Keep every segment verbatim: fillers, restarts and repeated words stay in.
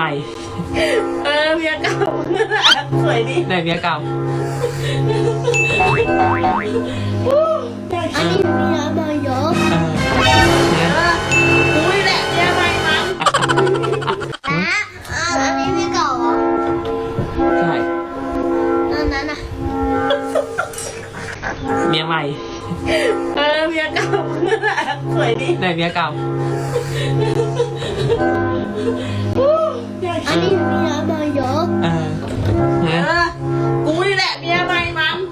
ม่เออเมียเก่าสวยดีไหนเมียเก่าอันนี้เมียใหม่เหรอเออเนี่ยเอออุ้ยแหละเมียใหม่มั้งอ่ะอันนี้เมียเก่าเหรอใช่อันนั้นอ่ะเมียใหม่เออเมียเก่าสวยดีไหนเมียเก่าอันนี้เมียใหม่เหรอเออเอเนี่ยออุ้ยแหละเมียใหม่มั้ง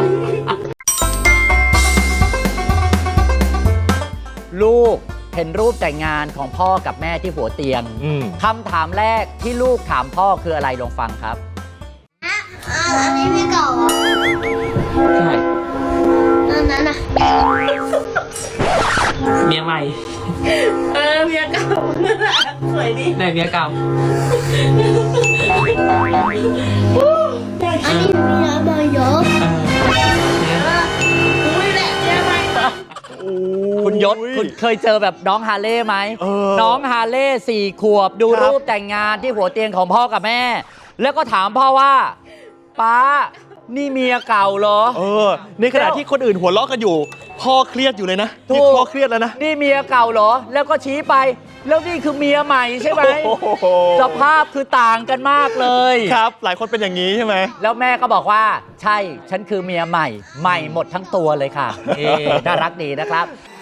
ลูกเห็นรูปแต่งงานของพ่อกับแม่ที่หัวเตียงอืมคำถามแรกที่ลูกถามพ่อคืออะไรลองฟังครับอ่ะอันนี้เมียเก่าเหรอใช่อันนั้นอ่ะเมียใหม่เออเมียเก่าสวยดีไหนเมียเก่าอันนี้เมียใหม่เหรอเออเนี่ยเอออุ้ยแหละเมียใหม่มั้งคุณยศคุณเคยเจอแบบน้องฮาเล่ไหมเออน้องฮาเล่สี่ขวบดูครับรูปแต่งงานที่หัวเตียงของพ่อกับแม่ แล้วก็ถามพ่อว่าป้านี่เมียเก่าเหรอเออ ในขณะที่คนอื่นหัวเราะกันอยู่ พ่อเครียดอยู่เลยนะถูนี่กพ่อเครียดแล้วนะนี่เมียเก่าเหรอ แล้วก็ชี้ไป แล้วนี่คือเมียใหม่ใช่ไหมโอ้โหสภาพคือต่างกันมากเลยครับ หลายคนเป็นอย่างนี้ใช่ไหมแล้วแม่ก็บอกว่าใช่ฉันคือเมียใหม่ ใหม่หมดทั้งตัวเลยค่ะเอ๊น่ารักดีนะครับ